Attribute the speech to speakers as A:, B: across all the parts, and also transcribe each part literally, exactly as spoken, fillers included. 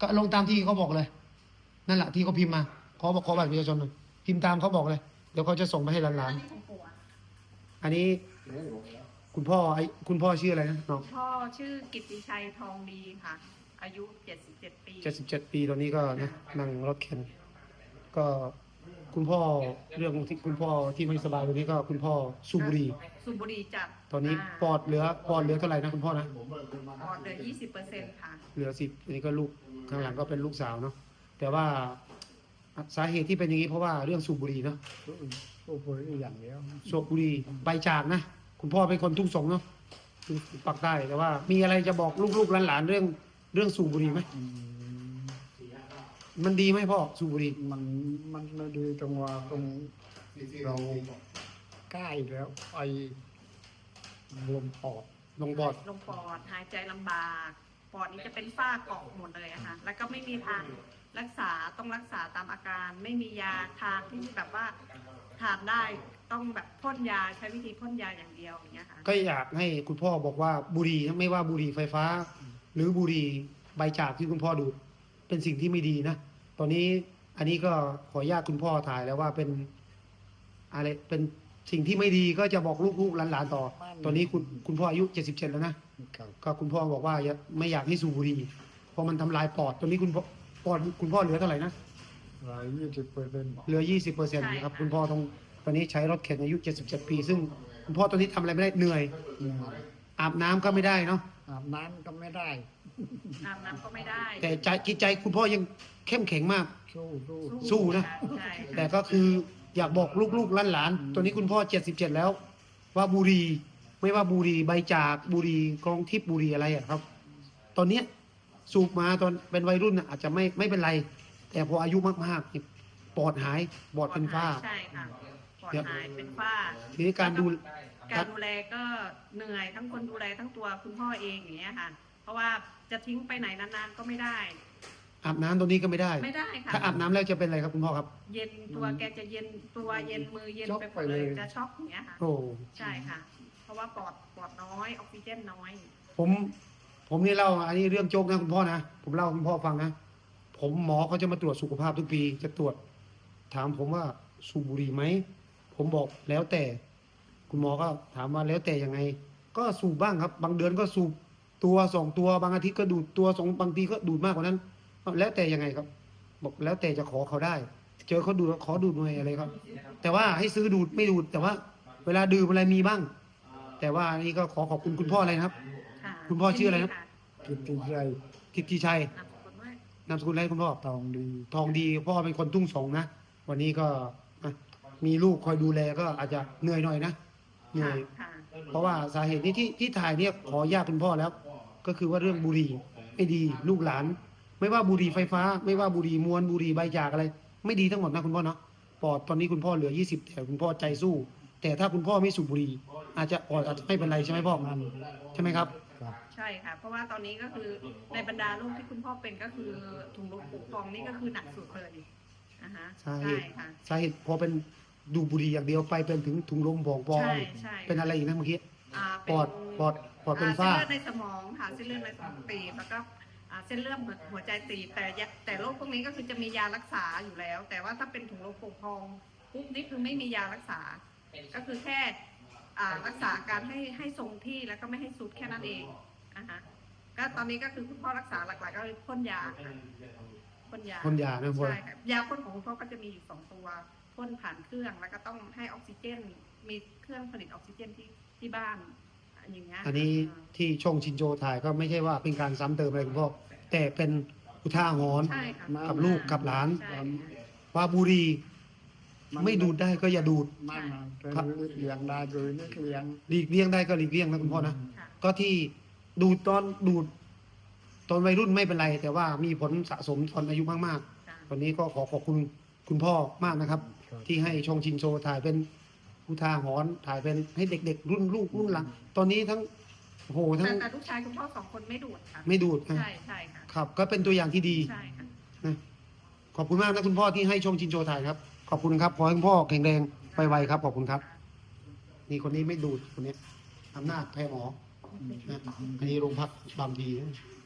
A: ก็ลงตามที่เขาบอกเลยนั่นแหละที่เขาพิมพ์มาขอบอกขอบัตรประชาชนหน่อยพิมพ์ตามเขาบอกเลยเดี๋ยวเขาจะส่งไปให้หลานๆอันนี้คุณพ่อไอ้คุณพ่อชื่ออะไรนะน้อง
B: พ่อชื่อกิตติชัยทองดีค่ะ อายุเจ็ดสิบเจ็ดปี
A: เจ็ดสิบเจ็ดปีตอนนี้ก็นะนั่งรถเข็นก็คุณพ่อเรื่องที่คุณพ่อที่ไม่สบายตอนนี้ก็คุณพ่อสูบบุหรี่
B: สูบบุหรี่จัด
A: ตอนนี้ปอดเหลือปอดเหลือเท่าไหร่นะคุณพ่อนะ
B: ปอดเหลือยี่สิบเปอร์เซ็นต์ค่ะ
A: เหลือสิบอันนี้ก็ลูกข้างหลังก็เป็นลูกสาวเนาะแต่ว่าสาเหตุที่เป็นอย่างนี้เพราะว่าเรื่องสูบบุหรี่เนาะ
C: โอ้โหอย่างเดียว
A: สูบบุหรี่ใบจากนะคุณพ่อเป็นคนทุ่งสงเนาะปักใต้แต่ว่ามีอะไรจะบอกลูกๆหลานๆเรื่องเรื่องสูบบุหรี่ไหม
C: อืม
A: มันดีไหมพ่อสูบบุหรี่
C: มันมันไม่ดีตรงว่าตรงเราใกล้แล้วไอลมปอด
A: ลงปอด
B: ลงปอดหายใจลำบาก ปอดนี้จะเป็นฝ้าเกาะหมดเลยอะค่ะ แล้วก็ไม่มีทางรักษาต้องรักษาตามอาการ ไม่มียาทางที่แบบว่าทานได้ต้องแบบพ่นยาใช้วิธีพ่นยาอย่างเดียวอย่างเงี้ยค่ะ
A: ก็อยากให้คุณพ่อบอกว่าบุหรี่ไม่ว่าบุหรี่ไฟฟ้า หรือบุหรี่ใบจากที่คุณพ่อดูดเป็นสิ่งที่ไม่ดีนะตอนนี้อันนี้ก็ขออนุญาตคุณพ่อถ่ายแล้วว่าเป็นอะไรเป็นสิ่งที่ไม่ดีก็จะบอกลูกๆหลานๆต่อ ตอนนี้คุณคุณพ่ออายุเจ็ดสิบเจ็ดแล้วนะครับ ก็คุณพ่อบอกว่าอย่าไม่อยากให้สูบบุหรี่เพราะมันทำลายปอดตอนนี้คุณพ่อปอดคุณพ่อเหลือเท่าไหร่นะ
C: หลายยี่สิบเปอร์เซ็นต์
A: เหลือยี่สิบเปอร์เซ็นต์นะครับคุณพ่อต้องตอนนี้ใช้รถเข็นอายุเจ็ดสิบเจ็ดปี ซึ่งคุณพ่อตอนนี้ทำอะไรไม่ได้เหนื่อย อาบน้ำก็ไม่ได้เนาะ
C: อาบน้ำก็ไม่ได้
B: อาบน้ำก็ไม่ได้
A: แต่ใจจิตใจคุณพ่อยังเข้มแข็งมาก
C: สู้สู้
A: สู้นะ
B: ใช่
A: แต่ก็คืออยากบอกลูกๆหลานๆตัวนี้คุณพ่อเจ็ดสิบเจ็ดแล้ว ว่าบุหรี่ไม่ว่าบุหรี่ใบจากบุหรี่กรองทิพย์บุหรี่อะไรอะครับ ตอนเนี้ยสูบมาตอนเป็นวัยรุ่นน่ะอาจจะไม่ไม่เป็นไร แต่พออายุมากๆนี่ปอดหายปอดเป็นฝ้า
B: ใช่ค่ะปอดหายเป็นฝ้า
A: ทีนี้การดู
B: การดูแลก็เหนื่อยทั้งคนดูแลทั้งตัวคุณพ่อเองอย่างเงี้ยค่ะ เพราะว่าจะทิ้งไปไหนนานๆก็ไม่ได้
A: อาบน้ำตัวนี้ก็ไม่ได้
B: ไม่ได้ค่ะ
A: ถ้าอาบน้ำแล้วจะเป็นอะไรครับคุณพ่อครับ
B: เย็นตัวแกจะเย็นตัวเย็นมือเย็นไปหมดเลยจะช็อกอย่างเงี้ยค่ะ
A: โอ้
B: ใช่ค่ะ เพราะว่าปอดปอดน้อยออกซิเจนน้อย
A: ผมผมนี่เล่าอันนี้เรื่องโจ๊กนะคุณพ่อนะผมเล่าให้คุณพ่อฟังนะผมหมอเขาจะมาตรวจสุขภาพทุกปีจะตรวจ ถามผมว่าสูบบุหรี่ไหมผมบอกแล้วแต่ คุณหมอก็ถามว่าแล้วแต่ยังไง ก็สูบบ้างครับ บางเดือนก็สูบตัวสองตัวบางอาทิตย์ก็ดูดตัวสองบางทีก็ดูดมากกว่านั้น แล้วแต่ยังไงครับ บอกแล้วแต่จะขอเขาได้ เจอเขาดูดขอดูดหน่อยอะไรครับ แต่ว่าให้ซื้อดูดไม่ดูด แต่ว่า เวลาดื่มอะไรมีบ้าง แต่ว่าอันนี้ก็ขอขอบคุณคุณพ่อเลยนะครับ
B: ค่ะ
A: คุณพ่อชื่ออะไรนะ
C: กิตติชัย
A: กิตติชัย
B: นามสกุลว่าน
A: ามสกุลอะไรคุณพ่อ
C: ทองดี
A: ทองดีพ่อเป็นคนทุ่งสงนะวันนี้ก็อ่ะมีลูกคอยดูแลก็อาจจะเหนื่อยหน่อยนะเหนื่อย
B: ค่ะ
A: เพราะว่าสาเหตุนี้ที่ที่ถ่ายเนี่ยขออนุญาตคุณพ่อแล้ว ก็คือว่าเรื่องบุหรี่ไม่ดีลูกหลาน ไม่ว่าบุหรี่ไฟฟ้า ไม่ว่าบุหรี่มวลบุหรี่ใบจากอะไร ไม่ดีทั้งหมดนะคุณพ่อเนาะปอดตอนนี้คุณพ่อเหลือยี่สิบแต่คุณพ่อใจสู้ แต่ถ้าคุณพ่อไม่สูบบุหรี่อาจจะปอดอาจจะไม่เป็นไรใช่ไหมพ่อใช่ไหมครับ
C: ครับ
B: ใช่ค่ะ เพราะว่าตอนนี้ก็คือในบรรดาโรคที่คุณพ่อเป็นก็คือถุงลมปุพองนี่ก็คือหนักสุดเลยนะคะ
A: สาเห
B: ใช่
A: ตุ
B: ค่ะ
A: สาเหตุพอเป็นดูดบุหรี่อย่างเดียวไปเป็นถึงถุงลมบ่องปอง
B: ใช่ใช่
A: เป็นอะไรอีกนะเมื่อกี้
B: อ่า
A: ปอดปอดปอดเป็นฝ้า
B: อ่เส้นเลือดในสมองค่ะเส้นเลือดในสมองตีบแล้วก็อ่าเส้นเลือดหัวใจตีบแต่ยาแต่โรคพวกนี้ก็คือจะมียารักษาอยู่แล้ว แต่ว่าถ้าเป็นถุงลมโป่งพองปุ๊บนี่คือไม่มียารักษา ก็คือแค่อ่ารักษาการให้ให้ทรงที่แล้วก็ไม่ให้สุดแค่นั้นเองนะคะก็ตอนนี้ก็คือคุณพ่อรักษาหลักๆก็คือพ่นยาค่ะพ่นยา
A: พ่นยานะพ่อ
B: ใช่ค่ะยาพ่นของคุณพ่อก็จะมีอยู่สองตัวพ่นผ่านเครื่องแล้วก็ต้องให้ออกซิเจน มีเครื่องผลิตออกซิเจนที่ที่บ้านอย่างเงี้ย
A: อันนี้ที่ช่องชินโจถ่ายก็ไม่ใช่ว่าเป็นการซ้ำเติมอะไรคุณพ่อแต่เป็นอุทาหรณ์
B: ใช่ค่ะ
A: กับลูกกับหลาน
B: ใช่ค่ะ
A: ว่าบุหรี่ไม่ดูดได้ก็อย่าดูด
C: มันนะเป็นเลี้ยงได้โดยนี่เลี้ยง
A: หลีกเลี่ยงได้ก็หลีกเลี่ยงนะคุณพ่อนะ
B: ค่ะ
A: ก็ที่ดูดตอนดูดตอนวัยรุ่นไม่เป็นไร แต่ว่ามีผลสะสมตอนอายุมาก
B: ค่ะ
A: ๆวันนี้ก็ขอขอบคุณคุณพ่อมากนะครับ ที่ให้ช่องชินโจถ่ายเป็นอุทาหรณ์ถ่ายเป็นให้เด็ก ๆ รุ่นลูกรุ่นหลังตอนนี้ทั้งโอ้โหทั้
B: แต่
A: ง
B: แต่ลูกชายคุณพ่อสองคนไม่ดูดค่ะ
A: ไม่ดูดนะ
B: ใช่ใช่ค่ะ
A: ครับ ก็เป็นตัวอย่างที่ดี
B: ใช่ค่ะ
A: นะขอบคุณมากนะคุณพ่อที่ให้ชมชินโจถ่ายครับ ขอบคุณครับขอให้คุณพ่อแข็งแรงไวๆครับขอบคุณครับ นี่คนนี้ไม่ดูดคนนี้อำนาจแพ้หมอนะอันนี้โรงพักบางดีนะ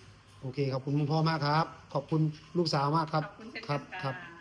A: โอเคขอบคุณคุณพ่อมากครับ ขอบคุณลูกสาวมากครับ
B: ขอบคุณเช่น
A: ครั
B: กับ น
A: ครับ
B: ค่ะ